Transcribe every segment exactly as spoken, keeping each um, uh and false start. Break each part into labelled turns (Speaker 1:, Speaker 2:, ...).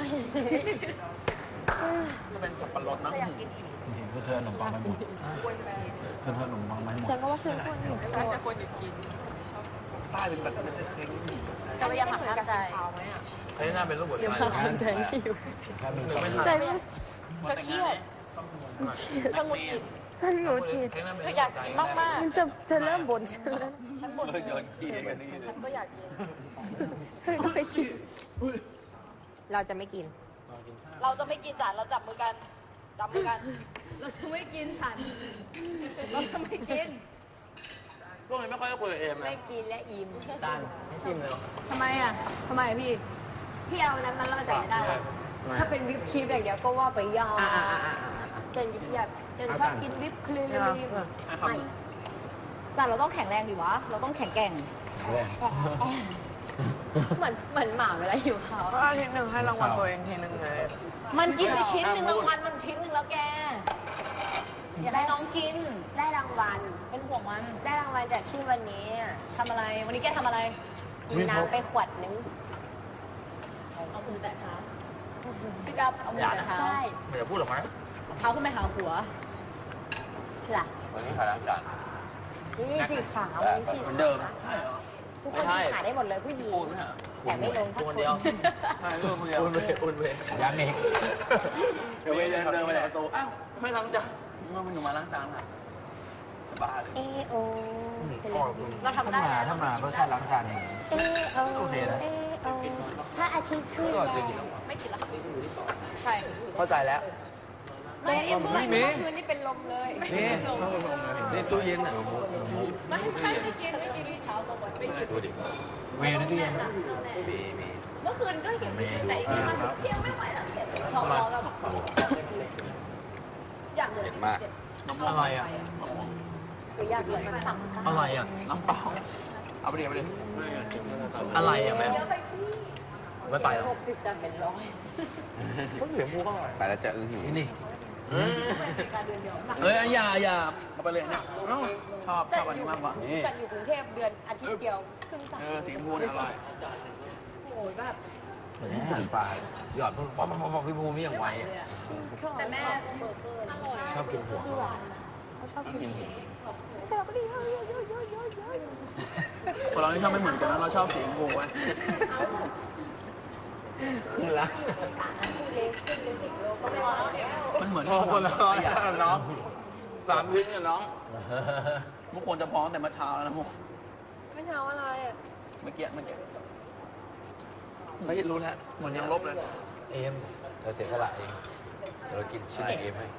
Speaker 1: มันเป็นสับปะรดนะ
Speaker 2: อยากกินอีก
Speaker 3: เห็นก็เธอขนมปังไปหมดคือเธอขนมปังไปหมด
Speaker 2: ฉันก็ว่าฉันควรหยุด
Speaker 4: ฉันจะควรหยุดกิน
Speaker 1: ใต้เป็นแบบเป็นเค้กนี่
Speaker 2: แต่ว่ายังหักห้ามใจ
Speaker 1: ไอ้หน้าเป็นรูปหัวใจ
Speaker 2: หักใจไม่อยู่
Speaker 3: ถ้ามี
Speaker 2: ใจไม่เธอเครียดเธอหงุดหงิดฉันหงุดหงิดเธออยากกินมากๆมันจะจะเริ่มบ่นฉันแล้วฉันบ่น
Speaker 1: โยนขี้กันนี่
Speaker 2: ฉันก็อยากกินเธอก็ไปกินเราจะไม่กิน
Speaker 4: เราจะไม่กินจานเราจับมือกันจับมือกัน
Speaker 2: เราจะไม่กินฉันเราจะไม่กิน
Speaker 1: พวกนี้ไม่ค่อยได้คุยกับเอมนะ
Speaker 2: ไม่กินและอิ่ม
Speaker 1: จานให้ชิมเลย
Speaker 2: ทำไมอ่ะทำไมพี่ พี่เอานั้นมันแล้วมันจะไม่ได้หรอถ้าเป็นวิปครีมอย่างเดียวก็ว่าไปยากเจนยิบยับเจนชอบกินวิปครีมไม่แต่เราต้องแข็งแรงดิวะ เราต้องแข็งแกร่ง เหมือนเหมือนหมาเวลาหิวข้าว
Speaker 4: อาทิตย์หนึ่งให้รางวัลตัวเองทีหนึ่งเลย
Speaker 2: มันกินไปชิ้นหนึ่งรางวัลมันชิ้นหนึ่งแล้วแก อย่าให้น้องกิน
Speaker 5: ได้รางวัล
Speaker 2: เป็นห่วงมัน
Speaker 5: ได้รางวัลจากที่วันนี้
Speaker 2: ทำอะไร วันนี้แกทำอะไร
Speaker 5: มีน้ำไปขวดนึง
Speaker 2: เอามือแตะเท้าซิกับเอามือแตะเท้า
Speaker 5: ใช่
Speaker 1: ไม่จะพูดหรอไหม
Speaker 2: เท้าขึ้นไปหาหัว
Speaker 5: ล่ะ
Speaker 1: วันนี้ขายล้างจาน
Speaker 5: นี่ฉีกขาวันนี้ฉีก
Speaker 1: เหมือนเดิม
Speaker 5: ทุกคนฉีกขาได้หมดเลยผู้หญิง
Speaker 1: ปูนไหมฮะ
Speaker 5: แต่ไม่ลงทัก
Speaker 1: ปู
Speaker 5: คน น
Speaker 1: เดียวใช่ปูนเดียวปูนเวปูนเว
Speaker 3: ยังอีก
Speaker 1: เดี๋ยวเวเดินเดินไปจากประตูอ้าวไม่ล้างจานเมื่อมันอยู่มาล้างจานค่ะสบายเลย
Speaker 5: เอโอ
Speaker 2: เราทำ
Speaker 3: ถ้า
Speaker 2: ได้
Speaker 3: มา
Speaker 2: แล้ว
Speaker 3: ถ้ามาเพื่อแค่ล้างจานเอง
Speaker 5: เอโอ
Speaker 3: โอเคนะ
Speaker 5: เอโอถ้าอาทิตย์ขึ้นแล้ว
Speaker 2: ไม่กินแล้วค่ะใช่
Speaker 1: เข้าใจแล้ว
Speaker 2: ไม่เอ็มเมื่อคืนนี่เป็นลมเลย
Speaker 1: นี่นี่ตู้เย็นอ่ะ
Speaker 2: ไม่ไม่ไม่กินไม่กินที่เช้าตรงวันไม่กิน
Speaker 1: ดูดิ
Speaker 3: เวย์นั่นก็ยัง
Speaker 1: มีมี
Speaker 2: เมื่อคืนก็เห็นแต่อีกมันเที่ยงไม่ไหวแล้วท้องร้องแบบอยากเหลือสิบเจ็ด
Speaker 1: อะไรอ่ะ
Speaker 2: หรืออยากเหลือมันต่ำ
Speaker 1: อะไรอ่ะน้ำเปล่าเอาไปดิเอาไปดิอะไรอ่ะแม่ไม่ไปหรอก
Speaker 2: หกสิบจะเป็นร้อย
Speaker 1: เขาเหลือมูก็ไปแล้วจะอื้อหือนี่
Speaker 2: การเดือนเดียว
Speaker 1: เอ้ยอย่าอย่าเอาไปเลยเนี่ยชอบชอบอันนี้มากกว่านี่
Speaker 2: จัดอยู่กรุงเทพเดือนอาทิตย์เดียวครึ่งสัป
Speaker 1: เออสีชมพูเนี่ยอร่อย
Speaker 2: โอ้ยแบบ
Speaker 3: อาหารป่าหยอดปุ๊บป๊อปป๊อปป๊อปพี่ภูมิอย่างไวอ่ะ
Speaker 2: แต่แม่เบอร์เกอร์อร่อย
Speaker 3: ชอบกินหัว
Speaker 2: เขาชอบกินแต่เราก็ดีเยอะเยอะเยอะเยอะเยอะเยอะ
Speaker 1: คนเราที่ชอบไม่เหมือนกันนะเราชอบสีชมพูไว้คือละมันเหมือนคนละน้องสามพื้นกับน้องมุกควรจะพร้อมแต่มาเช้าแล้วนะมุก
Speaker 2: ไม่เช้าอะไรอ่ะ
Speaker 1: เมื่อกี้เมื่อกี้ไม่รู้แล้วเหมือนยังลบเลย
Speaker 3: เอ็มเราเสียสละเองเรากินชิ้นเอ็มให้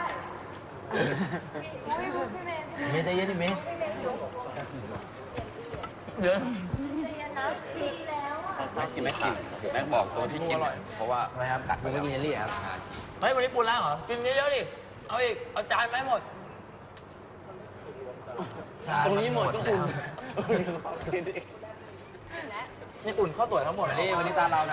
Speaker 3: เมย์ใจเย็นดิเมย์
Speaker 1: เดี๋ยว
Speaker 2: ใจเย็นนะปีแล้วอ่ะ
Speaker 6: แม็กกินแม็กกินแม็กบอกตัวที่กินเพราะว่า
Speaker 3: ทำไมครับกัดคุณไม่กินเยลลี่ครับ
Speaker 1: เฮ้ยวันนี้ปูล้างเหรอกินเยอะๆดิเอาอีกเอาจานไหมหมดตรงนี้หมดก็อุ่นนี่อุ่นข้าวตุ๋ยทั้งหมด
Speaker 3: วันนี้วันนี้ตาเรานะ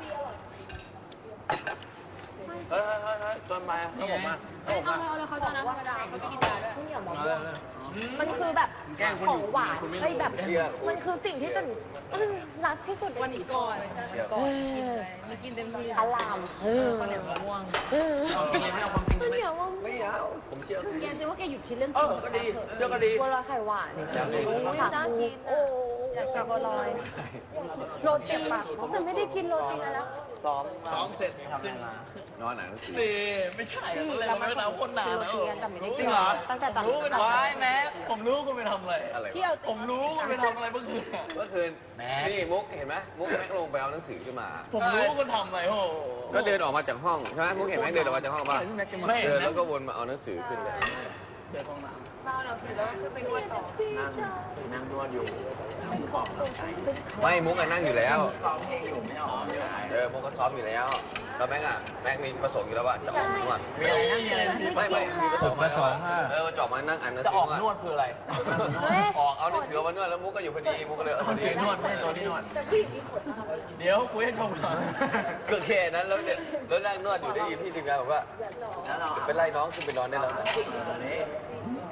Speaker 1: เฮ้ยเฮ้ยเฮ้ยต้นไม้นี่ผมมาผมมา
Speaker 2: เอาเลยเขาจะน้ำธรรมดาเขาจะกินยาด้วย
Speaker 5: ข้าวเหนียวมะ
Speaker 1: เอา
Speaker 5: ม่
Speaker 1: เล
Speaker 5: วย ง
Speaker 1: เลย
Speaker 5: มันคือแบบ
Speaker 1: แกล้งคุณ
Speaker 5: ของหวาน
Speaker 1: คุณไม่รู้
Speaker 5: เฮ้ยแบบ
Speaker 1: เชื่อ
Speaker 5: มันคือสิ่งที่ฉันรักที่สุด
Speaker 2: วันนี้ก่อนใช่ก่อนกินเลยมีกินเต็มที่
Speaker 5: อลาม
Speaker 2: ข้าวเหนียวมะม่วง
Speaker 1: เอาจริงไม่เอาความจริง
Speaker 5: ข้าว
Speaker 1: ไหม
Speaker 5: เหนียวมะม่วง
Speaker 1: ไม่เอาผมเชื่อ
Speaker 2: แกฉันว่าแกหยุดคิดเรื่อง
Speaker 1: เอ
Speaker 2: กิน
Speaker 1: อก็ดีเชื่อก็ดี
Speaker 5: บัวลอยไข่หวาน
Speaker 1: อยากกิน
Speaker 5: สาคูโอ้
Speaker 2: อยากกินบัวลอย
Speaker 5: โรตีฉันไม่ได้กินโรตีนานแล้ว
Speaker 1: ซ้อมซ้อมเสร็จทำอะไรมาน
Speaker 6: อนอ่านหนังสือ
Speaker 1: นี่ไม่ใช่อะไรเราไม่เอาคนนานแล้ว
Speaker 5: จริงเหรอตั้งแต่ตอน
Speaker 1: รู้เป็นวายแม็กผมรู้คุณไปทำอะไร
Speaker 6: อะไร
Speaker 2: เที่ยว
Speaker 1: ผมรู้คุณไปทำอะไรเมื่อคืน
Speaker 6: เมื่อคืนนี่มุกเห็นไหมมุกแม็กลงไปเอาหนังสือขึ้นมา
Speaker 1: ผมรู้คุณทำอะไรโอ้
Speaker 6: ก็เดินออกมาจากห้องใช่ไหมมุกเห็นแม็กเดินออกมาจากห้องป่ะ
Speaker 1: ไม่
Speaker 6: เดินแล้วก็วนมาเอาหนังสือขึ้นเลย
Speaker 1: เดินห้องน้
Speaker 2: เมาแล้วสิแล้วขึ้นไปนวดต่อ
Speaker 1: ำนั่งนั่งนวดอยู่นั่งกรอบน้ำใจ
Speaker 6: ไม่มุกอะนั่งอยู่แล้ว
Speaker 1: กรอบเพลงอยู่ไม่ออก
Speaker 6: เออมุกก็ซ้อมอยู่แล้วแล้วแม็กอะแม็กมีประสงค์อยู่แล้วว่าจะออกนวด
Speaker 1: มีอะไรนั่งมีอะไร
Speaker 6: ไม่ไม่มีประส
Speaker 3: จุ
Speaker 6: ง
Speaker 3: ด
Speaker 6: ค์
Speaker 3: ประสงค์
Speaker 6: เออจะออกมานั่งอ่านหนัง
Speaker 1: จะ
Speaker 6: สื
Speaker 1: อ
Speaker 6: อ
Speaker 1: อกนวดคืออะไร
Speaker 6: ออกเอาหนังสือมานวดแล้วมุกก็อยู่พอดีมุกก็เลยพอดี
Speaker 1: นวดไม่ใช่ตัวที่นวด
Speaker 2: แต่ผู้หญิงมีขนนะคะ
Speaker 1: เดี๋ยวคุยให้จบก่อน
Speaker 6: ก็แค่นั้นแล้วเนี่ยแล้วนั่งนวดอยู่ได้ยินพี่ทีมงานบอกว่า
Speaker 1: แล้วเรา
Speaker 6: เป็นไรน้องขึ้นไปนอนได้แล้วนะ
Speaker 1: นี่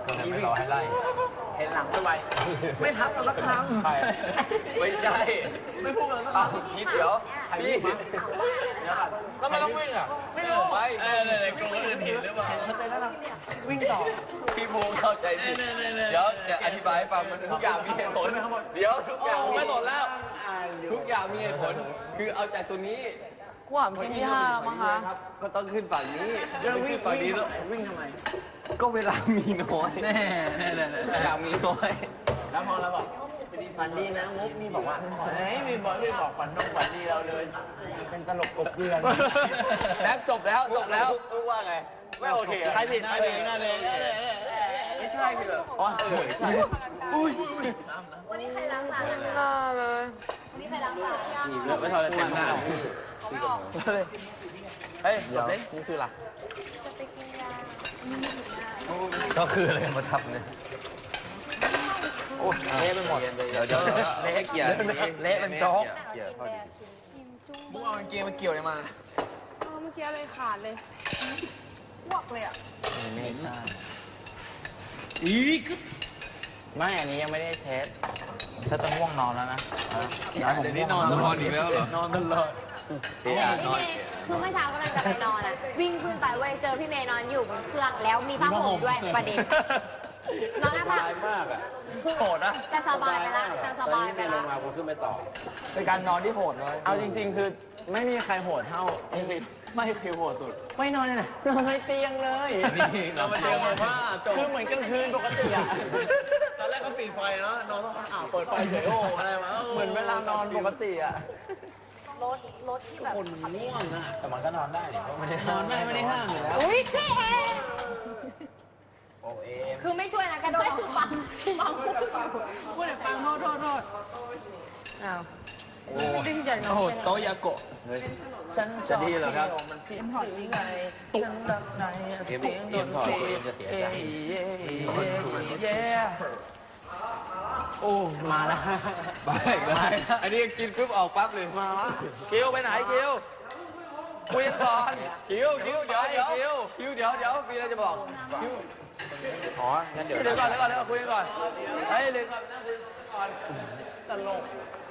Speaker 3: ก็เลยไม่รอให้ไล่
Speaker 1: เห็นหลังไม่ไหวไม่ทักกันสักครั้ง
Speaker 6: ไม่ใช่
Speaker 1: ไม่พูดเลยสักค
Speaker 6: เอา
Speaker 1: รั้ง
Speaker 6: คิดเดี๋ยวพี่
Speaker 1: ก็ไม่ต้องวิ่งอ่ะไม่รู้
Speaker 6: ไป
Speaker 1: เออเนี่ยกลัวคนอื่นเห็นหรือเปล่าเห็นมันเต้นแล้วนะวิ่งต่อ
Speaker 6: พี่ภูมิเข้าใจผิดเดี๋ยวจะอธิบายให้ฟังมันทุกอย่างมีเหตุผลเดี๋ยวทุกอย่าง
Speaker 1: ไม่หมดแล้ว
Speaker 6: ทุกอย่างมีเหตุผลคือเอาจากตัวนี้
Speaker 1: ขวามชิ้นที่ห้ามั้งคะ
Speaker 6: ครับก็ต้องขึ้นฝั่งนี้
Speaker 1: จะวิ่
Speaker 6: ขึ้
Speaker 1: ง
Speaker 6: นฝั่งนี้แล้ว
Speaker 1: วิ่งทำไม
Speaker 6: ก็เวลามีน้อย
Speaker 1: แน่แน่แน่
Speaker 6: อยากมีน้อย
Speaker 1: แล้วพอเราบอกฝันดีนะมุกนี่บอกว่าเฮ้ยมีบอกไม่บอกฝันต้องฝันดีเราเลย เป็นตลกกบเกลือนแล้วจบแล้วจบแล้ว
Speaker 6: ทุกว่าไงไม่โอเค
Speaker 1: ใครผิดใครผิด
Speaker 6: ไม่ใช่พี่เหรออ๋อเออใช่
Speaker 1: อุ้ย
Speaker 2: วันนี้ใครล้างจานนะคะวันนี้ใครล้างจาน
Speaker 6: นี่ไม่ทอดเต็มหน้า
Speaker 2: ไม่ออก
Speaker 1: เฮ้ยจบเลยนี่คืออะไร
Speaker 2: จะไปกินยา
Speaker 3: ก็คืออะไรมาทับเนี่ย
Speaker 1: โอ้เละไปหมด
Speaker 6: เดี๋ยวเดี๋ยวเละเกี่ยว
Speaker 1: เละเป็นโจ๊ก
Speaker 6: เกี่ยวพอดี
Speaker 1: มุกเอาเกมมาเกี่ยวเลยมา
Speaker 5: เออเมื่อกี้เลยขาดเลยพวกเลยอ่ะ
Speaker 3: ไม่ใช่
Speaker 1: อีก
Speaker 7: ไม่อันนี้ยังไม่ได้เทสฉันจะง่วงนอนแล้วนะ
Speaker 6: เดี๋ยวนี้นอนนอนอีกแล้วเหรอน
Speaker 1: อนตลอด
Speaker 6: เดี๋ยวนอน
Speaker 2: คือเมื่อเช้ากำลังจะไปนอนอ่ะ วิ่งขึ้นไปเว้ยเจอพี่เมย์นอนอยู่บนเครื่องแล้วมีผ้าห่มด้วยประเด็น นอนหน้าผ้า
Speaker 6: ตายมากอ่ะ
Speaker 1: โหดนะ
Speaker 2: จะสบายไปละจะสบายไป
Speaker 6: ล
Speaker 2: ละ
Speaker 6: งมาผมขึ้นไปต่อ
Speaker 1: เป็นการนอนที่โหดเลย
Speaker 7: เอาจริง ๆ คือไม่มีใครโหดเท่า
Speaker 1: ไม่เคยโหดสุด
Speaker 7: ไม่นอนเลยนะนอนในเตียงเลย
Speaker 6: นี่เรามาเจอกันว่า
Speaker 7: คือเหมือนกลางคืนปกติอะ
Speaker 1: ตอนแรกก็ปิดไฟเนาะนอนต้องอ่าวเปิดไฟเฉยโอ้อะไรวะ
Speaker 7: เหมือนเวลานอนปกติอะ
Speaker 4: รถรถที่แบบ
Speaker 1: คนง่วงอ่ะ
Speaker 3: แต่มันก็นอนได้นี่เพราะไม่ได้
Speaker 1: นอนได้ไม่ได้ห้ามอยู่แล้ว
Speaker 2: อุ้ยพี่เอ
Speaker 3: โอเอม
Speaker 2: คือไม่ช่วยนะกระโดดฟังฟัง
Speaker 5: พูดแต่ฟังโทษโทษโทษอ้าว
Speaker 1: โอ้โหโตยาโกะ
Speaker 7: ฉัน
Speaker 3: จะดีเหรอครับ
Speaker 7: มันผิดที่ไงฉันรักใน
Speaker 3: เอ็มเอ็มถอดตัวเอ็มจะเสียใจ
Speaker 7: เย้โอ้มาแล้ว
Speaker 6: ไปอีกแล้วอันนี้กินปุ๊บออกปั๊บเลย
Speaker 7: มาละคิวไปไหนคิวคุยกันก่อน
Speaker 6: คิวคิวเดี๋ยวเดี๋ยวคิวเดี๋ยวเดี๋ยวมีอะไรจะบอกคิว
Speaker 3: อ๋อ งั้นเดี๋ยว
Speaker 7: เดี๋ยวก่อนเดี๋ยวก่อนเดี๋ยวก่อนคุยกันก่อนเฮ้ยเดี๋ยวก่อนนั่งคุยก่อนตลก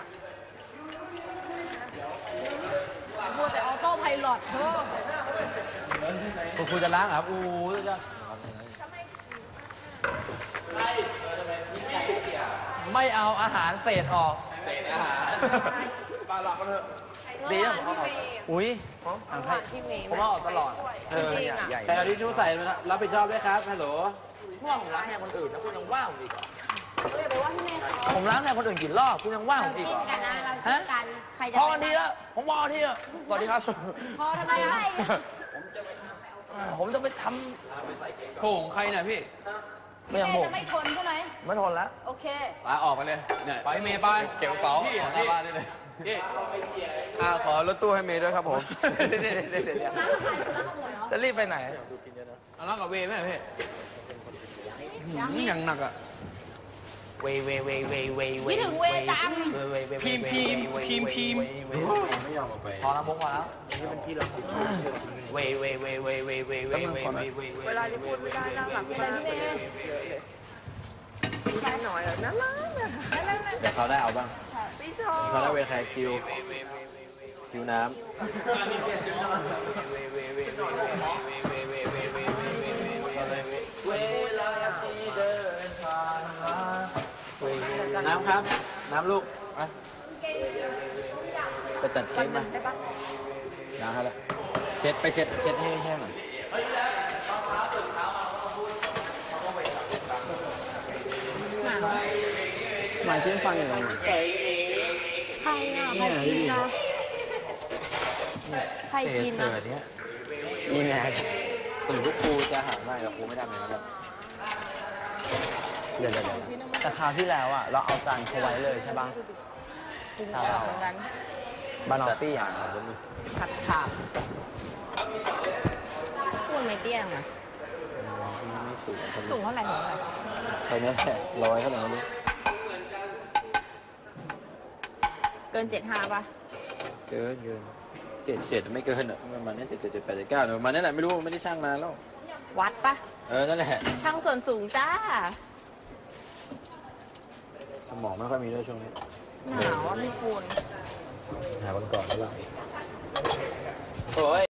Speaker 5: พูดแต่ออโต้ไพลอตเธอ
Speaker 3: คุณครูจะล้างเหรอครับอู้จะ
Speaker 7: ไม่เอาอาหารเศษออก
Speaker 6: เศษอาหาร
Speaker 1: ปลาหลับกันเถอะ
Speaker 7: ดีอ่ะอุ้ย
Speaker 5: พี่เมย์
Speaker 7: ผมเอาออกตลอด
Speaker 5: จริงอ่ะ
Speaker 3: แต่เอาทิชชู่ใส่รับผิดชอบด้วยครับฮัลโหล
Speaker 7: เมื่อผมล้างแทนคนอื่นแล้วคุณยังว่าผมอีกเหรอ
Speaker 2: เลยไปว่าพี่เมย์เขา
Speaker 7: ผมล้างแทนคนอื่นกี่รอบคุณยังว่าผ
Speaker 2: เรา
Speaker 7: มอีก
Speaker 2: จิ้
Speaker 7: เหรอ
Speaker 2: นกันนะเราจิ้นกันใครจะ
Speaker 7: พอกันทีแล้วผมพอกันทีแล้วสวัสดีครับ
Speaker 2: พอทำไมให้
Speaker 7: ผมจะไปท
Speaker 6: โถของใครน่ะพี่
Speaker 7: ำไม่ยัง
Speaker 5: เม
Speaker 7: ผ
Speaker 5: ย์
Speaker 7: ม
Speaker 5: จะไม่ทนใช่ไหม
Speaker 7: ไม่ทนแล้ว
Speaker 5: โอเค
Speaker 6: ไปออกไปเลยเนี่ยไปเมย์ไปเก็บกระเป๋าออกหน้าบ้านได้เลยพี่อ่าขอรถตู้ให้เมย์ด้วยครับผม
Speaker 7: เดี๋ยวเดี๋ยวเดี๋ยวเดี๋ยว
Speaker 2: ร้านกับใครร้านกับหมวยเหรอ
Speaker 7: จะรีบไปไหน
Speaker 6: เอาแล้วกับเวย์ไหมพี่
Speaker 2: ยังนี่
Speaker 6: ยังหนักอ่ะ
Speaker 7: เวเวเวเวเวเว
Speaker 5: คิดถึงเวจัง
Speaker 7: เวเวเว
Speaker 6: พิมพ์พิมพ์พิมพ์พิมพ์
Speaker 3: ไม่ยอมออกไป
Speaker 7: พอแล้วมุกพอแล้วนี่เป็นที่เราเวเวเวเวเวเวเวเวเวเวเวลาที่พูดไม่ได้นั่งหลับไม่ได้
Speaker 2: พี่เมย์
Speaker 3: เดี๋ยวเขาได้เอาบ้างเขาได้เวรใครคิว คิวน้
Speaker 7: เวลาที่เดินผ่านมาเว
Speaker 3: ำน้ำครับ น้ำลูกมาไปตัดเค้กมาน้ำให้ละเช็ดไปเช็ดเช็ดให้แห้งหน่อยหมายถึงฟังอย่างไร
Speaker 2: ใครอ่ะใครกินนะใครกินนะ
Speaker 3: เนี้ยนี่ไงตื่นลูกครูจะหาไม่แต่ครูไม่ทำอย่างนั้นหรอกเดี๋ยวเดี๋ยว
Speaker 7: แต่คราวที่แล้วอ่ะเราเอาจานเขาไว้เลยใช่ป่ะคราวเรา
Speaker 5: เหมือนกัน
Speaker 7: บานอฟฟี่อ่ะ
Speaker 5: ผัดฉาบพูดไม่เตี้ยงอ่ะ
Speaker 3: ไม่สูง
Speaker 5: สูงเท่าไหร่ถึงเท่าไหร่
Speaker 3: ใครนี่แหละร้อยเท่าไหร่ไม่รู้
Speaker 5: เกินเจ็ดห้าป่ะ
Speaker 3: เกินเกินเจ็ดเจ็ดไม่เกินอ่ะประมาณนี้เจ็ดเจ็ดเจ็ดแปดเจ็ดเก้าประมาณนี้แหละไม่รู้ไม่ได้ช่างนานแล้ว
Speaker 5: เ
Speaker 2: วัดปะ
Speaker 3: เออ นั่นแหละ
Speaker 2: ช่างส่วนสูงจ้า
Speaker 3: สมองไม่ค่อยมีด้วยช่วงนี้
Speaker 2: หนาวอ่ะพี่ปูน
Speaker 3: หาวันก่อนแล้วล่ะ
Speaker 6: โอ้ย